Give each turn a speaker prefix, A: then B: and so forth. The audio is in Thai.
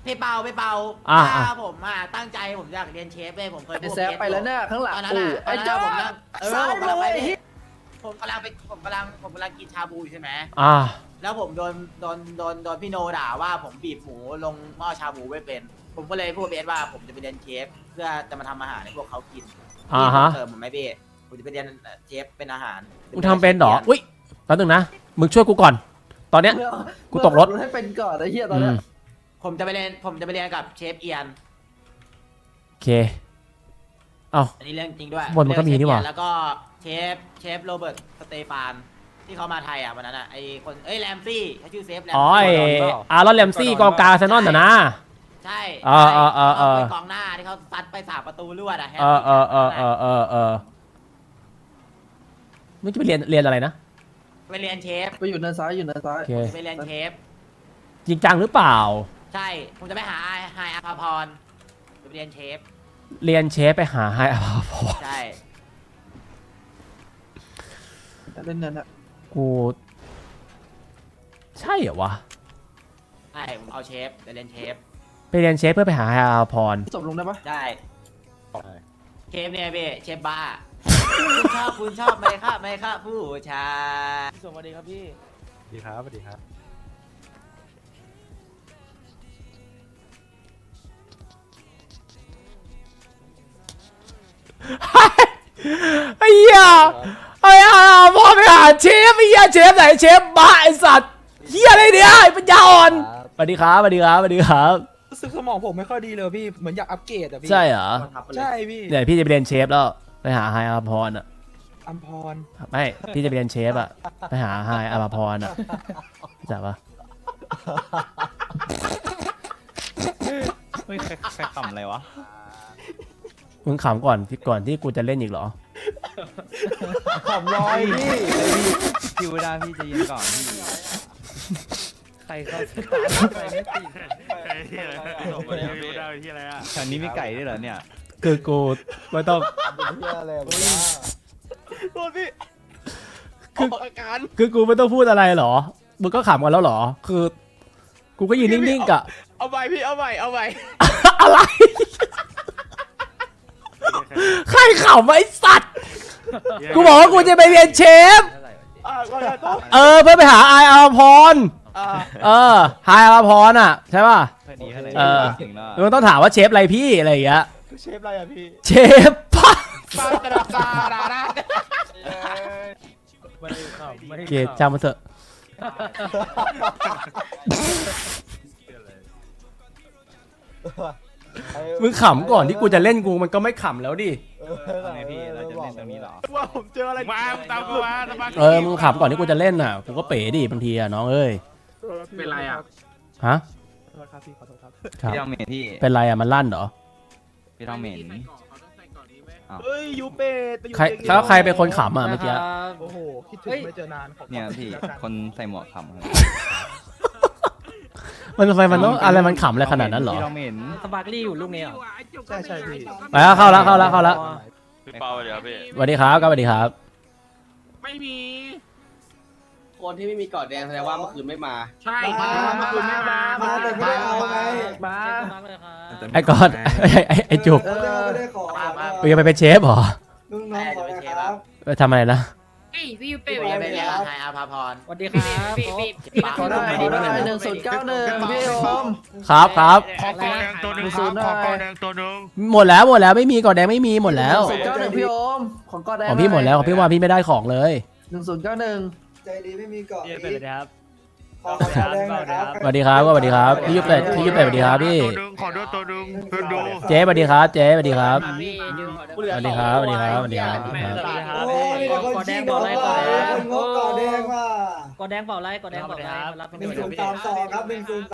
A: พี่เปาผมตั้งใจผมอยากเรียนเชฟเลยผมเคยพูด
B: แซฟไปแล้วเนี่ยข้างหลัง
A: ตอนนั้นไอ้จ้าผมกำลังไปผมกำลังกินชาบูใช่ไหมแล้วผมโดนพี่โนด่าว่าผมบีบหมูลงหม้อชาบูไม่เป็นผมก็เลยพูดเบสว่าผมจะไปเรียนเชฟเพื่อจะมาทำอาหารให้พวกเขากินผมไม่เบสผมจะไปเรียนเชฟเป็นอาหาร
C: มึงทำเป็นหรออุ้ยแป๊บนึงนะมึงช่วยกูก่อนตอนเนี้ยกูตกรถ
B: ให้เป็นก่อนไอ้เหี้ยตอนเนี้ย
A: ผมจะไปเรียนกับเชฟเอียน
C: โอเคเอ้า
A: อันนี้เรื่องจริงด้วย
C: บนมันก็มีนี่หว่า
A: แล้วก็เชฟโรเบิร์ตสเตฟานที่เขามาไทยอ่ะวันนั้นอ่ะไอคนแรมซี่เขาชื่อเซฟแรมซี่
C: อ๋ออารอนแรมซี่กองกลางเซนอนนะ
A: ใช่กองหน้าที่เขาซัดไป3 ประตูรวดอ่ะ
C: มึงจะไปเรียนอะไรนะ
A: ไปเรียนเชฟ
B: ไปอยู่เนินซ้าย
A: ไปเรียนเชฟ
C: จริงจังหรือเปล่า
A: ใช่ผมจะไปหาไฮอาภาพรจะไปเรียนเชฟ
C: ไปหาไฮอาภาพร
A: ใช่
B: เล่นนั่นอะ
C: กูใช่เหรอวะ
A: ใช่ผมเอาเชฟไปเรียนเชฟ
C: เพื่อไปหาไฮอาภาพร
B: จบลงได้ปะ
A: ได้เชฟเนี่ยพี่เชฟบ้าคุณชอบไหมครับผู้ชาย
B: สวัสดีครับพี่
D: สวัสดีครับ
C: ไอ้เหี้ยพ่อไปหาเชฟไอ้เหี้ยเชฟไหนเชฟบ้าไอ้สัตว์เหี้ยอะไรเนี่ยไอ้ปัญญาอ่อนสวัสดีครับ
D: รู้สึกสมองผมไม่ค่อยดีเลยพี่เหมือนอยากอัปเกรดอะพี่
C: ใช่เหรอ
D: ใช่พี่
C: เนี่ยพี่จะไปเรียนเชฟแล้วไปหาไฮอาภาพรอ่ะ
D: อัมพร
C: ไม่พี่จะไปเรียนเชฟอ่ะไปหาไฮอาภาพรอ่ะจับปะ
E: เฮ้ยใครขำอะไรวะ
C: มึงขำก่อนที่กูจะเล่นอีกเหรอ
D: ขำลอย
E: พี่วดาพี่จะยืนก่อนพี่
D: ใครเขาใครไม่ติด
E: พี่วดาที่อะไรอ่ะแถวนี้มีไก่ด้วยเหรอเนี่ย
C: คือกูไม่ต้อง
D: โดนพี่
C: คือกูไม่ต้องพูดอะไรเหรอมึงก็ขำกันแล้วเหรอคือกูก็ยืนนิ่งๆกะ
D: เอาใหม่พี่เอาใหม่
C: อะไรใครขำไอ้สัตว์กูบอกว่ากูจะไปเรียนเชฟเพื่อไปหาไฮอาภาพรไฮอาภาพรอ่ะใช่ป่ะมึงต้องถามว่าเชฟอะไรพี่อะไรอย่างเงี้ย
D: เชฟอะไรอะพี่
C: เชฟป้าเกลียดจำมาเถอะมึงขำก่อนที่กูจะเล่นกูมันก็ไม่ขำแล้วดิ
E: ไงพี่เราจะเล่นตรงนี้หรอ
D: ว่าผมเจออะไร
E: มาตามกูมา
C: มึงขำก่อนที่กูจะเล่นน่ะกูก็เป๋ดิบางทีอ่ะน้องเอ้ย
E: เป็นไรอ่ะ
C: ฮะ
D: พี่ขอโทษครับ
E: พี่ต้องเหม็นพี่
C: เป็นไรอ่ะมันลั่นเหรอ
E: พี่ต้องเหม็น
D: เฮ้ยยูเป็ด
C: ใครเป็นคนขำอ่ะเมื่อกี้
D: โอ้โหคิดถึงไม่เจอนาน
E: เนี่ยพี่คนใส่หมวกขำ
C: มันไฟมันต้องอะไรมันขำอะไรขนาดนั้นเหรอ
E: สปาร์กลี่อยู่ลูกนี้เหรอ
D: ใช่พี่
C: ไปแล้วเข้าแล้ว
F: พี่เปาเดี๋ยวพี่
C: สวัสดีครับสวัสดีครับ
E: ไม่มี
G: คนที่ไม่มีกอดแดงแสดงว่าเมื่อคืนไม่มา
E: ใช่เมื่อคืนไม่มา
B: แต่ไม่ได้เอาไง
C: มาไอ้กอดไอ้จุกยังไปเป็นเชฟเหรอ
B: ลุงน้องขอครับ
C: ไปทำอะไรนะ
A: พี่ยูเป้ไปเรียนกับไฮอาภาพร
E: สวัสดีครับ
B: ขอได้1091พี่โอม
C: ครับ
F: ขอกอแดงตัวนึง
C: หมดแล้วไม่มีกอแดงไม่มีหมดแล้ว
B: 1091พี่โอมของกอแดง
C: ของพี่หมดแล้วของพี่ว่าพี่ไม่ได้ของเลย
B: 1091ใจดีไม่มีเกาะ
E: เป็นเลยครับ
C: สวัสดีครับพี่ยุบเป็ดสวัสดีครับพี่
F: ขอด้วยตัวนึงดู
C: เจ๊สวัสดีครับสวัสดีครับกอแดง
B: บอกไรกอแดงเปล่าไร
E: รับ
B: 1032ครับ10